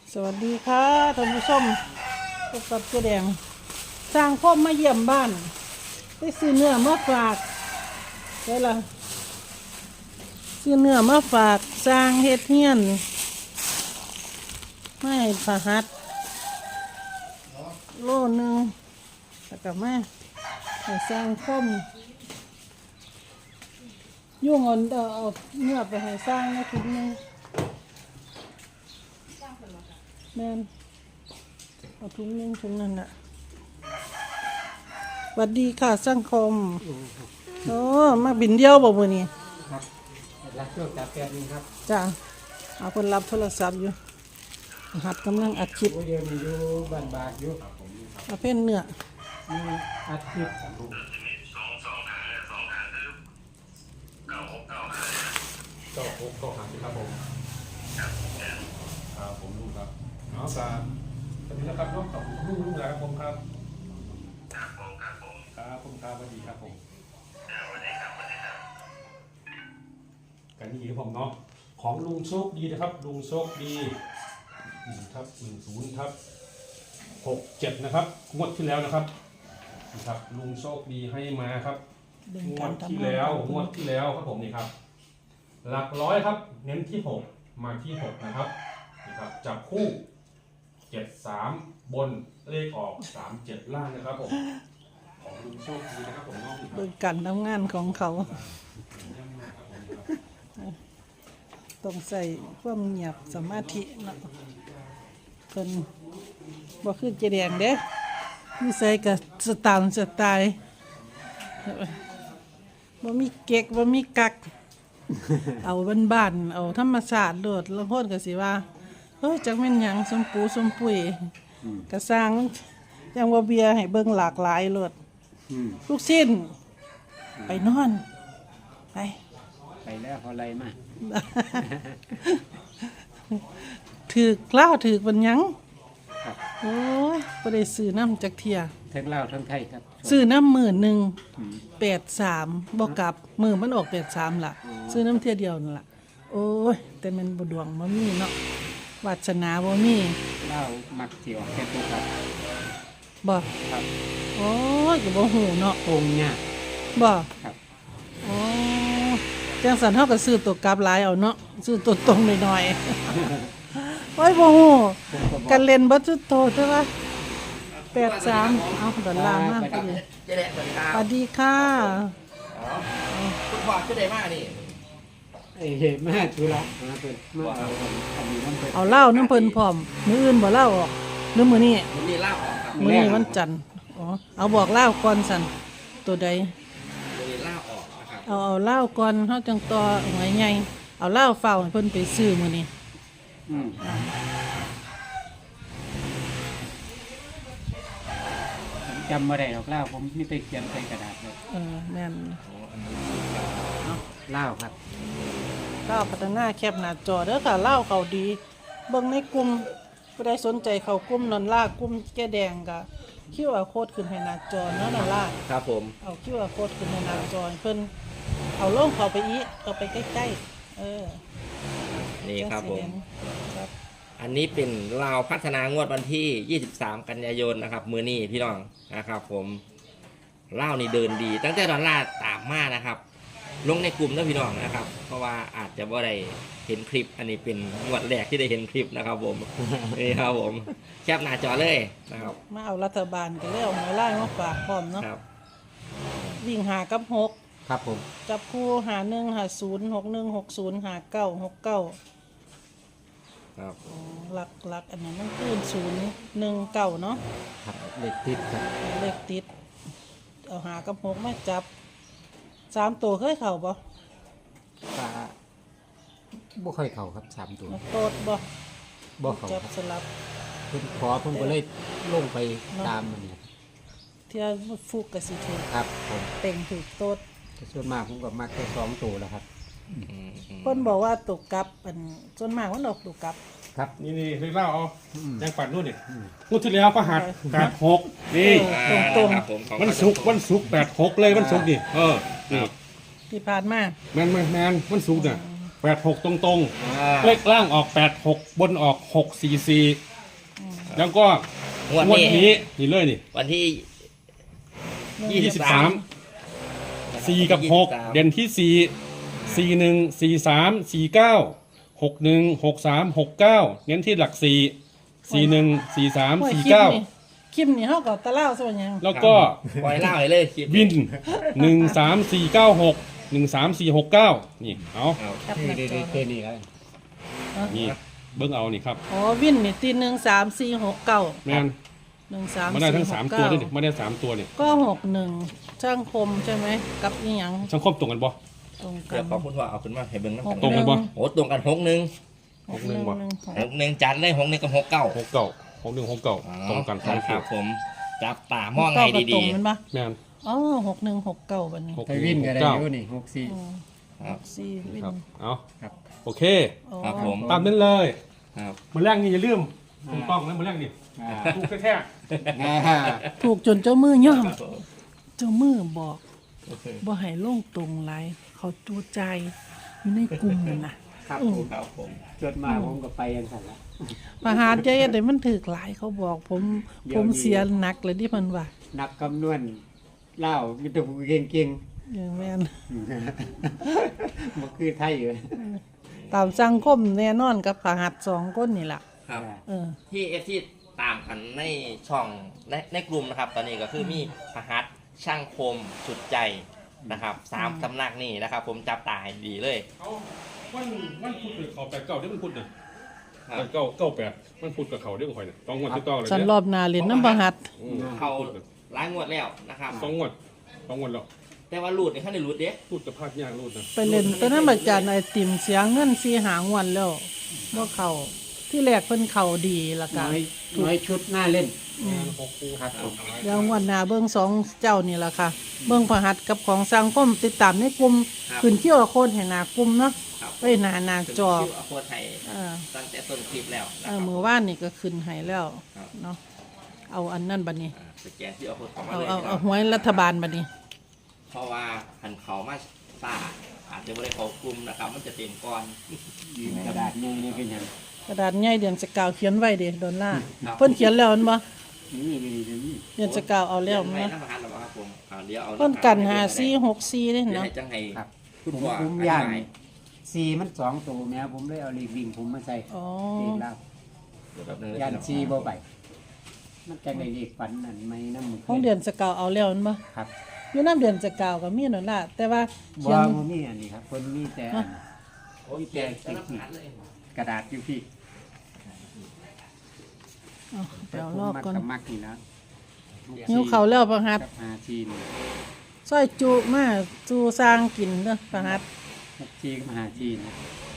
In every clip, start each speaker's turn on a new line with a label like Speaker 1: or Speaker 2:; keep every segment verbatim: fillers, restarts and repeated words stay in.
Speaker 1: สวัสดีค่ะท่านผู้ชมพบกับเจ๊แดงสร้างพ่อมาเยี่ยมบ้านได้ซื้อเนื้อมาฝากได้ละซื้อเนื้อมาฝากสร้างเฮ็ดเฮียนไม่ผาหัดโลนึงแล้วก็มาให้สร้างพ่อมยุ่งเอาเอาเนื้อไปให้สร้างนะถุงนึงแม่นเอาถุงนึงถุงนั้นน่ะสวัสดีค่ะสังคมโอ้มาบินเดียวบอกมือนี่
Speaker 2: ครับรับช่วงจากแกนึงครับ
Speaker 1: จ้าเอาคนรับโทรศัพท์อยู่หัดกำลังอัดคลิป
Speaker 2: โอ้เดียวมีอยู่บ้านบาทอยู่
Speaker 1: เอาเพ่นเนื้อ
Speaker 2: มีอัดคลิป
Speaker 3: เก้าหกเก้าห้าครับผมครับผมลุงครับเอาสามสวัสดีนะครับน้องกับลุงลุงหลายครับผมครับครับผมครับผมครับผมครับสวัสดีครับผมสวัสดีครับสวัสดีครับกันนี่ครับผมเนาะของลุงโชคดีนะครับลุงโชคดีหนึ่งทับหนึ่งศูนย์ทับหกเจ็ดนะครับงวดที่แล้วนะครับนะครับลุงโชคดีให้มาครับ
Speaker 1: ดึง
Speaker 3: ง
Speaker 1: กาว ร
Speaker 3: ดที่
Speaker 1: ทำงาน
Speaker 3: แล้วงวดที่แล้วครับผมนี่ครับหลักร้อยครับเน้นที่หกมาที่หกนะครับนี่ครับจับคู่เจ็ดสามบนเลขออกสามเจ็ดล่างนะครับผมของลุงโชคดีนะครับผมน้องนี่ค
Speaker 1: โด
Speaker 3: รับ
Speaker 1: ยการทำงานของเขาต้องใส่ความเงียบสมาธิเนาะเพิ่นบ่คือเจแดงเด้มีใส่กับสไตล์สไตล์บ่มีเก๊กบ่มีกัก เอาบ้านๆเอาธรรมชาติโลดแล้วคนก็สิว่าเฮ้ยจักแม่นหยังสมปูสมปุยก็สร้างจังว่าเบียร์ให้เบิ่งหลากหลายโลด
Speaker 2: อืม
Speaker 1: ลูกชิ้นไปนอนไป
Speaker 2: ไปแล้วเขาไล่มา
Speaker 1: ถือกล้าวถือกบันหยัง
Speaker 2: ครับ
Speaker 1: โอ้ยบ่ได้ซื้อน้ำจักเทีย
Speaker 2: ทั้งลาวทั้งไทยครับ
Speaker 1: ซื้อน้ำหมื่นหนึ่ง
Speaker 2: อืม
Speaker 1: แปดสามบ่กลับมือมันออกแปดสามล่ะ ซื้อน้ำเทียเดียวนั่นล่ะ โอ้ย แต่มันบ่ดวงบ่มีเนาะวาสนาบ่มี
Speaker 2: ลาวมักเที่ยวแค่ตัวครับ
Speaker 1: บ่
Speaker 2: ครับ
Speaker 1: โอ้ยก็บ่ฮู้เนาะ
Speaker 2: องค์เนี่ย
Speaker 1: บ่
Speaker 2: ครับ
Speaker 1: โอ้จังสันเฮาก็ซื้อตัวกลับหลายเอาเนาะซื้อตัวตรงหน่อยๆ โอ้ยบ่ฮู้กันเล่นบ่จุดโตใช่ป่ะแปดสามเอาดอลลาร์มากพอดี
Speaker 4: เจ๊แดงสวัสดีครั
Speaker 1: ส
Speaker 4: บ
Speaker 1: วัสดีค่ะ
Speaker 4: คุณพ่อชื่อเดมานี่
Speaker 2: เอ้ยเห็นมาธุระมาเป็นมาเอาอันนี้น้ำเป็น
Speaker 1: เอาเหล้าน้ำเพิ่นพร้อมมื้ออื่นบ่เหล้าออกหรือมื้อนี้
Speaker 4: ผมมีเล่าออกครับ
Speaker 1: มื้อนี้วันจันทร์อ๋อเอาบอกเหล้าก่อนสั่นตัวใด
Speaker 4: ผมมีเล่าออกนะครับ
Speaker 1: เอาเอาเหล้าก่อนเฮาจังต่อหวยใหญ่เอาเหล้าเฝ้าให้เพิ่นไปซื้อมื้อนี้
Speaker 2: อืมผมจำมาได้หรอกลาวผมมีไปเขียนใส่กระดาษเลย
Speaker 1: เออแม่น
Speaker 2: ลาวครับ
Speaker 1: เหล้าพัฒนาแคปหน้าจอเด้อค่ะเหล้าเขาดีเบิ่งในกลุ่มผู้ใดสนใจเข้ากลุ่มนอนล่ากลุ่มแก้แดงก็ คิว อาร์ code ขึ้นให้หน้าจอเนาะนอนล่า
Speaker 4: ครับผม
Speaker 1: เอา คิว อาร์ code ขึ้นในหน้าจอให้เพิ่นเอาลงเข้าไปอีกเข้าไปใกล้ๆเออ
Speaker 4: นี่ครับผม
Speaker 1: จังสิเห็นครับ
Speaker 4: อันนี้เป็นลาวพัฒนางวดวันที่ ยี่สิบสาม กันยายนนะครับ มือนี้พี่น้องนะครับผมเล่าวนี่เดินดี ตั้งแต่ดอลลาร์ตามมานะครับ ลงในกลุ่มนะพี่น้องนะครับ เพราะว่าอาจจะว่าได้เห็นคลิป อันนี้เป็นงวดแรกที่ได้เห็นคลิปนะครับผม นี่ครับผมแคปหน้าจอเลยนะครับ
Speaker 1: มาเอารัฐบาลก็เลยเอาหมายไล่มาฝากพร้อมเนาะ
Speaker 4: ครับ
Speaker 1: วิ่งหากับหก
Speaker 2: ครับผม
Speaker 1: จับคู่หาหนึ่งหาศูนย์หกหนึ่งหกศูนย์หาเก้าหกเก้า
Speaker 4: ครับ
Speaker 1: หลักหลักอันนั้นมันคือศูนย์หนึ่งเก้าเนาะ
Speaker 2: ครับเล็กติดครับ
Speaker 1: เลขติด เอาหากับหกมาจับสามตัวเคยเข่าบ่
Speaker 2: ปลาบ่ค่อยเข้าครับสามตัว
Speaker 1: โตดบ่
Speaker 2: บ่เข้า
Speaker 1: จับ
Speaker 2: ครับ
Speaker 1: สลับ
Speaker 2: เพิ่นขอเพิ่นก็เลยลงไปตามมันนี่
Speaker 1: เที่ยฟุกกับสิถือ
Speaker 2: ครับผม
Speaker 1: เต็งถือโตด
Speaker 2: แต่ส่วนมากผมก็มักแค่สองตัวแล้วครับ
Speaker 4: อืมอืม
Speaker 1: เพิ่นบอกว่าตกกลับอันส่วนมากมันออกตกกลับ
Speaker 2: ครับ
Speaker 3: นี่นี่เรื่องเล่าเอา
Speaker 2: อืม
Speaker 3: ยังปัดนู่นนี่งวดที่แล้วก็หักแปดหกนี่
Speaker 1: เออ ตรงๆ
Speaker 4: ครับผมของ
Speaker 3: วันศุกร์วันศุกร์แปดหกเลยวันศุกร์นี่เออนี่
Speaker 1: ที่ผ่านมา
Speaker 3: แมนแมนแมนวันศุกร์เนี่ยแปดหกตรง
Speaker 4: อ่า
Speaker 3: ๆเลขล่างออกแปดหกบนออกหกสี่สี่แล้วก็
Speaker 4: งวด
Speaker 3: งวด
Speaker 4: นี้
Speaker 3: นี้นี่เลยนี่
Speaker 4: วันที่
Speaker 3: ยี่สิบสามสี่กับหกเด่นที่สี่สี่หนึ่งสี่สามสี่เก้าหกหนึ่งหกสามหกเก้าเน้นที่หลักสี่สี่หนึ่งสี่สาม
Speaker 1: โอ้ย
Speaker 3: สี่
Speaker 1: คลิป
Speaker 3: เก้า
Speaker 1: นี่คลิปนี่เฮาก็ตะเล่าซะว่าหยัง
Speaker 3: แล้วก็
Speaker 4: ปล่อยเล่าให้เลยคลิป
Speaker 3: วินหนึ่งสามสี่เก้าหกหนึ่งสามสี่หกเก้านี่เอา
Speaker 4: เอา
Speaker 1: แคปหน้าจอ
Speaker 2: แค่นี้ครับ
Speaker 3: นี่เบิ้งเอานี่ครับ
Speaker 1: อ๋อวินนี่ตีหนึ่งสามสี่หกเก้า
Speaker 3: แม่น
Speaker 1: หนึ่งสาม
Speaker 3: มาได้ทั้งสามตัว
Speaker 1: เก้า
Speaker 3: ด้วยนี่มาได้สามตัวนี่
Speaker 1: ก็หกหนึ่งช่างคมใช่ไหมกับอีหยัง
Speaker 3: ช่างคมตรงกันบ่
Speaker 1: ตรงกั
Speaker 4: เดี๋ย
Speaker 1: น
Speaker 4: วขอบคุณพ่อเอาขึ้นมาให้เบิ่งน้ำ
Speaker 1: ห
Speaker 4: กั
Speaker 1: ก
Speaker 4: น
Speaker 3: ตรงกันบ่
Speaker 4: โอ้ตรงกันหกหนึ่ง
Speaker 1: หกหนึ่ง
Speaker 3: บ่
Speaker 1: หนึ่งหก
Speaker 4: หกหนึ่งจัดเลยหกหนึ่งกับหกเก้า
Speaker 3: หกเก้าหกหนึ่งหกเก้าตรงกันสอง
Speaker 4: ค
Speaker 3: ตั
Speaker 4: รั
Speaker 3: ว
Speaker 4: บผมจับตามอง
Speaker 1: เก้า
Speaker 4: ให้
Speaker 1: กับตร
Speaker 4: ดี
Speaker 1: งมันปะ
Speaker 3: แม่น
Speaker 1: อ๋อหกหนึ่งหกเก้าบัดนี้
Speaker 3: หก
Speaker 2: ไปวินก็ได้
Speaker 3: เก้า
Speaker 2: อยู่นี่หกสี่
Speaker 1: อืม
Speaker 4: ๆครับ
Speaker 1: สี่วิน
Speaker 3: ครับเอา
Speaker 2: ครับ
Speaker 3: โอเค
Speaker 1: อ๋อ
Speaker 4: ครับผม
Speaker 3: ตามนั้นเลย
Speaker 4: ครับ
Speaker 3: มาแรกนี่อย่าลืมถูกต้องนะมาแรกนี่
Speaker 2: อ่า
Speaker 3: ถูกแท้
Speaker 2: อ่า
Speaker 1: ถูกจนเจ้ามือย่อม
Speaker 4: ครับผม
Speaker 1: เจ้ามือบอกบ่ให้ลงตรงไรเขาจูใจอยู่ในกลุ่มนั่นนะครับ
Speaker 2: ผม
Speaker 4: ครับผม
Speaker 2: จดมาผมก็ไปยังสั่นละ
Speaker 1: ประหารใจเดี๋ยวมันถือหลายเขาบอกผม
Speaker 2: เดี๋
Speaker 1: ผ
Speaker 2: ยว
Speaker 1: ม
Speaker 2: นี้
Speaker 1: เสียหนักเลยที่มันว่า
Speaker 2: นักคำนวณเล่ามีแต่ผู้เก่ง
Speaker 1: อย่างแม่น
Speaker 2: ๆ มันคือไทยอยู่
Speaker 1: ตามสังคมแน่นอนกับประหัดสองคนนี่แหละ
Speaker 4: ครับ
Speaker 1: เออ
Speaker 4: ที่เอฟที่ตามกันในช่องในในกลุ่มนะครับ ตอนนี้ก็คือมีพหัสช่างคมสุดใจนะครับสามสำนักนี่นะครับ ผมจับตาให้ดีเลย
Speaker 3: ๆเอาวันวันพุธเลยเขาแปดเก้าเดี๋ยวมันพุธน่ะ
Speaker 4: ครับ
Speaker 3: แปดเก้าเก้าแปดมันพุธกับเขาเดี๋ยวข่อยน่ะต้องงวดที่ต่อเลย
Speaker 1: ฉัน
Speaker 3: เนี่ย
Speaker 1: รอบหนาเล่นน้ำประหัด
Speaker 3: อืม
Speaker 4: เขาหลายงวดแล้วนะครับ
Speaker 3: สองงวดสองงวดแล้ว
Speaker 4: แต่ว่ารูดนี่ขั้นในรูดเด้
Speaker 3: พูดกับพลาดยากรูดนะ
Speaker 1: ไปเล่นตอนนั้นอาจารย์ไอติมเสียเงินสีหางวันแล้วว่าเขาที่แรกเพิ่นเขาดีละกั
Speaker 2: น้
Speaker 1: น
Speaker 2: อยน้อยชุดหน้าเล่น
Speaker 3: หกคู่
Speaker 2: ครับผม
Speaker 1: เดี๋ยวงวันหนาเบิ้งสองเจ้านี่ละค่ะ เบิ้งประหัดกับของสังคมติดตามในกลุ่มขึ้นเที่ยวโคนให้หนากลุ่มเนาะ
Speaker 4: ครับ
Speaker 1: ไปหนาหนาจอ
Speaker 4: คิวอโคไทย
Speaker 1: เออ
Speaker 4: ตั้งแต่ต้นคลิปแล้ว
Speaker 1: เอ
Speaker 4: นะค
Speaker 1: อ
Speaker 4: รับ
Speaker 1: มือว่านนี่ก็ขึ้นให้แล้ว
Speaker 4: ครับ
Speaker 1: เนาะเอาอันนั่นบัดนี้
Speaker 4: อ่าสแกนที่อโคเข้ามา
Speaker 1: เอา
Speaker 4: เลย
Speaker 1: เอา
Speaker 4: พี่น้
Speaker 1: เอา
Speaker 4: อง
Speaker 1: หวยรัฐบาลบัดนี้
Speaker 4: เพราะว่าหันเขามาซ่าอาจจะไม่ได้เขากลุ่มนะครับ มันจะเต็มก่อน
Speaker 2: ยืนกระดาษนี่นี่เป็นหยัง
Speaker 1: กระดาษใหญ่เดือนสกาวเขียนไว้เด้ดอลลาร์
Speaker 4: ครับ
Speaker 1: เพิ่นเขียนแล้วมันบ่
Speaker 2: นี่นี่นี่นี่
Speaker 1: เดือนสกาวเอาแล้ว
Speaker 4: เรียน
Speaker 1: มั้
Speaker 4: ไว้
Speaker 1: ย
Speaker 4: น้ำมันหรอครับผมอ่าเดี๋ยวเอา
Speaker 1: เพิ่นกันหาสี่หกสี่เด้
Speaker 4: เดี๋ยว
Speaker 1: เนาะ
Speaker 4: ให้จังให้
Speaker 2: ครับ
Speaker 4: คุณ
Speaker 2: ผม
Speaker 4: พ่อ
Speaker 2: ผม
Speaker 4: อธิ
Speaker 2: ย่าน
Speaker 4: บาย
Speaker 2: ซีมันสองตัวแม่ผมเลยเอาลีกวิ่งผมมาใส่
Speaker 1: อ๋อ
Speaker 2: เองแล้ว
Speaker 4: เดี๋ยวแป๊บนึง
Speaker 2: ย่านซีบ่ไปมันจะในเลขฝันนั่นไหมน้ำมือ
Speaker 1: ของเดือนสกาวเอาแล้วมันบ่
Speaker 2: ครับ
Speaker 1: อยู่น้ำเดือนสกาวก็มีนั่นล่ะแต่ว่า
Speaker 2: บ่
Speaker 1: เขียน
Speaker 2: บ่มีอันนี้ครับคนมีแต่อัน
Speaker 4: โอ้ยเขียนแต่น้ำมันเลย
Speaker 2: กระดาษอยู่พี่
Speaker 1: เอาไปเอาลอกก่อน
Speaker 2: มักมักนี่นะ
Speaker 1: หิวเขาวแล้วประหัด
Speaker 2: กับหาชีน
Speaker 1: ซอยจุมาจูสร้างกินเด้อประหัด
Speaker 2: หกชีกับหาชีนนะ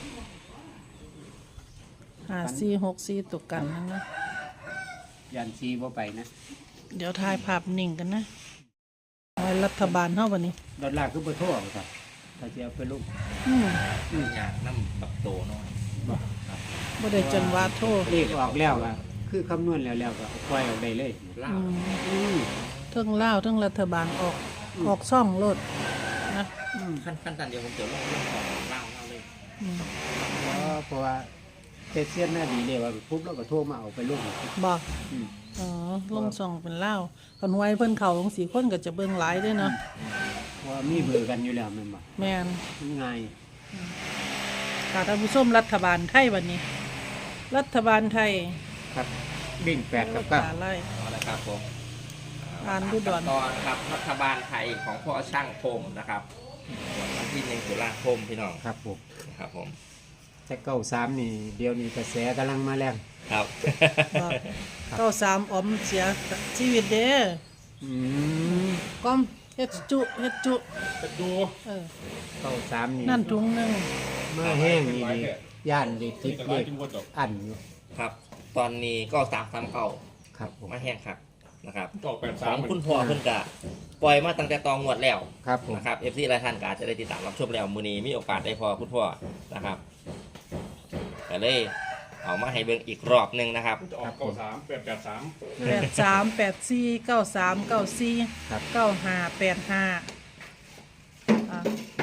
Speaker 1: หาสี่หกสี่ตกกันนั่นนะ
Speaker 2: ยันชีบ่ไปนะ
Speaker 1: เดี๋ยวถ่ายภาพนิ่งกันนะไว้รัฐบาลเฮาบัดนี้
Speaker 2: ดอลลาร์คือบ่โทษครับถ้าจะเอาไปลูก
Speaker 1: อืม
Speaker 4: อยากน้ำแบบโตหน่อย
Speaker 1: บ่ได้จนว่าโทษ
Speaker 2: เลขออกแล้วก็คือคำนวณแล้วแล้วก็เอาปล่อยออกได้เลย
Speaker 4: เล่า
Speaker 1: อืม
Speaker 2: อืม
Speaker 1: เทั้งลาวเทั้งรัฐบาลออกออกซ่องโลดนะ
Speaker 4: ขั้นขั้นตอนเดียวผมจะลงเรื่องของเล่าเล่าเลย
Speaker 1: อืม
Speaker 2: เพราะเพราะว่าเทศเซียนหน้าดีเลยว่าปุ๊บแล้วก็โทรมาเอาไปลูก
Speaker 1: บ่
Speaker 2: อืม
Speaker 1: อ๋อลงซ่องเป็นลาวคันไว้เพิ่นเข้าลงสี่คนก็จะเบิ่งหลายเด้อเนาะ
Speaker 2: เพราะว่ามีเบอร์กันอยู่แล้วแม่นบ่
Speaker 1: แม่น
Speaker 2: ง่าย
Speaker 1: ค่ะท่านผู้ชมรัฐบาลไทยวันนี้ รัฐบาลไทย
Speaker 2: ครับบิ่งแปดกับเก้า
Speaker 1: ภาษาไล่
Speaker 4: เอาละครับผม
Speaker 1: อ่านดูดอน
Speaker 4: ตอนครับรัฐบาลไทยของพ่อช่างคมนะครับวันที่หนึ่งตุลาคมพี่น้อง
Speaker 2: ครับผม
Speaker 4: ครับผม
Speaker 2: แต่เก้าสามนี่เดี๋ยวนี้กระแสกำลังมาแรง
Speaker 4: ครับ
Speaker 1: บอกเก้าสามออมเสียชีวิตเด้อ
Speaker 2: อืม
Speaker 1: ก้อมเฮ็ดจุเฮ็ดจุ
Speaker 3: จะดู
Speaker 1: เออ
Speaker 2: เก้าสามนี่
Speaker 1: นั่นถุงหนึง
Speaker 2: มาแห้งนี่ดิย่านดิติ
Speaker 3: นี่
Speaker 2: ด
Speaker 3: ก็
Speaker 2: เล
Speaker 3: ไล่
Speaker 2: ข
Speaker 3: กินบดดอก
Speaker 2: อันอยู่
Speaker 4: ครับ ตอนนี้ก็สามสามเก่า
Speaker 2: ครับผม
Speaker 4: มาแห้งครับนะครับ
Speaker 3: ออกแปด
Speaker 4: ข
Speaker 3: สา
Speaker 4: อ
Speaker 3: ม
Speaker 4: งคุณพ่อเพิ่นกะปล่อยมาตั้งแต่ตองงวดแล้ว
Speaker 2: ครับผม
Speaker 4: นะครับเอฟซีหลายท่านก็อาจจะได้ติดตามรับชมแล้วมือนี้มีโอกาสได้พอคุณพ่อนะครับก็เลยเอามาให้เบิ่งอีกรอบหนึ่งนะครับ
Speaker 3: จะออกเก้าสามแปดแปดสาม
Speaker 1: แปดสามแปดสี่เก้าสามเก้าสี่
Speaker 2: ครับ
Speaker 1: เก้าห้าแปดห้าอ่ะ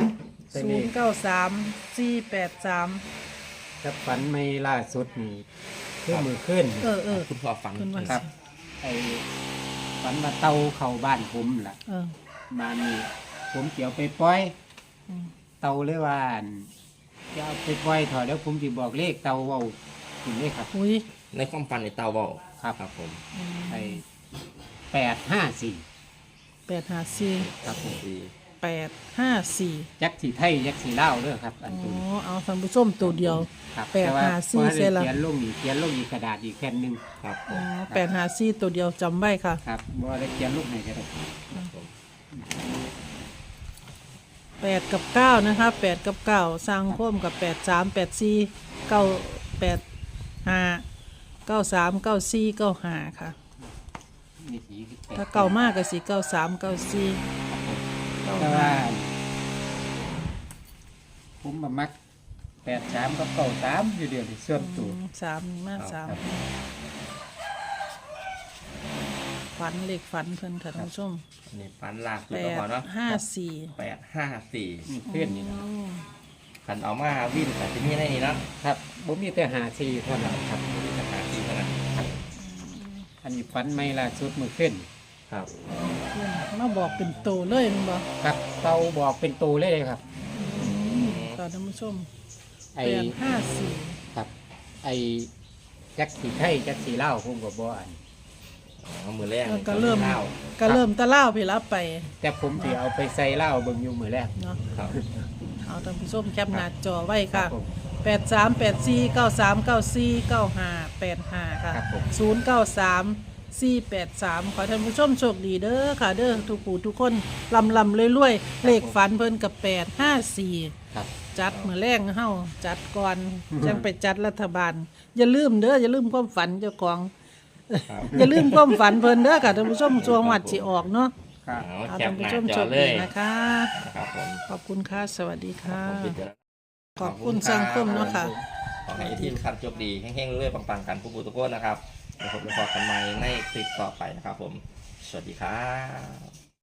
Speaker 2: แต่
Speaker 1: ศู
Speaker 2: เล
Speaker 1: น
Speaker 2: ข
Speaker 1: ย์เก้าสามสี่แปดสาม
Speaker 2: ถ้าฝันไม่ล่าสุดนี่คือมือขึ้น
Speaker 1: เออเออ
Speaker 4: คุณพ่อฝัน
Speaker 1: คุณว่า
Speaker 2: ครับไอ้ฝันมาเตาเข้าบ้านผมล่ะ
Speaker 1: เออ
Speaker 2: มานี่ผมเกี่ยวไปปล่อย
Speaker 1: อืม
Speaker 2: เตาเลยว่าอั่นจะเอาไปปล่อยถอดแล้วผมจะบอกเลขเตาเว้าคุณเลยครับ
Speaker 1: อุ้ย
Speaker 4: ในความฝันในเตาเบา
Speaker 2: ครับ
Speaker 4: ครับผม
Speaker 2: ไอ้แปดห้าสี่
Speaker 1: แปดห้าสี่
Speaker 2: ครับผม
Speaker 4: ดี
Speaker 1: แปดห้าสี่
Speaker 2: ยักษ์สีไทยยักษ์สีเล่าวเด้อครับ อัน
Speaker 1: อ๋
Speaker 2: ตัว
Speaker 1: อ
Speaker 2: นี้
Speaker 1: เอาท่านผู้ชมตัวเดียว
Speaker 2: ครับ
Speaker 1: แปด
Speaker 2: ต่ว่
Speaker 1: ห้าสี่
Speaker 2: พอได้
Speaker 1: เสียละ
Speaker 2: เขียนลงอีกเขียนลงอีกกระดาษอีกแผ่นหนึ่ง
Speaker 4: ครับผ
Speaker 1: อ๋อ
Speaker 4: ม
Speaker 1: แปดห้าสี่ตัวเดียวจำไว้ค่ะ
Speaker 2: ครับบ่ได้เขียนลูกไหนก็ได้
Speaker 4: ครับผม
Speaker 1: แปดกับเก้านะคะแปดกับเก้าสร้างพ่มกับแปดสามแปดสี่เก้าแปดห้าเก้าสามเก้าสี่เก้าห้าค่ะ
Speaker 2: มีสีแปด
Speaker 1: ถ้าเก่ามากก็สี่เก้าสามเก้าสี่เก้า
Speaker 2: แต่
Speaker 1: ห้า
Speaker 2: ว่าผมมามักแปดสามกับเก้าสามอยู่เดียวนี่ส่วนตัว
Speaker 1: สามนี่มากสาม
Speaker 2: ครับ
Speaker 1: ฝันเลขฝันเพิ่นค่ะท่านผู้ชม
Speaker 4: อันนี้ฝันลากสุด
Speaker 1: แป
Speaker 4: แล้ว
Speaker 1: ด
Speaker 4: พอเนาะ
Speaker 1: ห้าสี่
Speaker 4: แปดห้าสี่
Speaker 2: มีเพื่อนนี่นะ
Speaker 4: ขันเอามาวิ่งแต่ที่นี่ได้นี่เนาะ
Speaker 2: ครับผมมีแต่หาซีเท่านั้นครับ
Speaker 4: มีสถานที่เท่านั้น
Speaker 2: อันนี้ฝันไม่ล่าสุดมือขึ้น
Speaker 4: ครับ
Speaker 1: มาบอกเป็นโตเลยแมันบอก
Speaker 2: ครับเตาบอกเป็นตัวเลยครับ
Speaker 1: ค่ะท่านผู้ชม
Speaker 2: ไอ้
Speaker 1: แปดห้าสี่
Speaker 2: ครับ ไอ้จักสีไทยจักสีเล่าวผมก็บ่อัน
Speaker 4: เอามือแรก
Speaker 1: ก็เริ่ม
Speaker 4: ข้าว
Speaker 1: ก็เริ่มตะเล่าไปรับไป
Speaker 2: แต่ผมสิเอาไปใส่เหล้าเบิ่งอยู่มือแรก
Speaker 1: เนาะ
Speaker 4: ครับ
Speaker 1: เอาท่านผู้ชมแคปหน้าจอไว้
Speaker 2: ครั
Speaker 1: ค่ะ
Speaker 2: บผม
Speaker 1: แปดสามแปดสี่เก้าสามเก้าสี่เก้าห้าแปดห้าค่ะ
Speaker 2: ครับผม
Speaker 1: ศูนย์เก้าสามสี่แปดสามขอให้ท่านผู้ชมโชคดีเด้อค่ะ เด้อทุกผู้ทุกคนลำลำรวยๆเลขฝันเพิ่นกับแปดห้าสี่
Speaker 2: ครับ
Speaker 1: จัดมือแรงเฮาจัดก่อนจังไปจัดรัฐบาล อย่าลืมเด้ออย่าลืมความฝันเจ้าของ
Speaker 4: ครับ
Speaker 1: อย่าลืมความฝันเพิ่นเด้อค่ะท่านผู้ชมช่วงวัดสิออกเนาะ
Speaker 2: ครับ
Speaker 4: เอา
Speaker 1: เอา
Speaker 4: แค
Speaker 1: ท่า
Speaker 4: ป
Speaker 1: น
Speaker 4: ห
Speaker 1: ผู้
Speaker 4: น้า
Speaker 1: ชม
Speaker 4: จ
Speaker 1: โช
Speaker 4: อ
Speaker 1: ค
Speaker 4: เล
Speaker 1: ดี
Speaker 4: ย
Speaker 1: นะคะ
Speaker 4: นะครับผม
Speaker 1: ขอบคุณค่ะ สวัสดีค่ะ
Speaker 4: ผมพิจารณา
Speaker 1: ขอบคุณสังคมเนาะค่ะ
Speaker 4: ขอให้ทีมขับโชคดีแห้งๆเรื่อยๆปังๆกันผู้บุตรโก้นะครับเดี๋ยวผมจะพบกันใหม่ในคลิปต่อไปนะครับผม สวัสดีครับ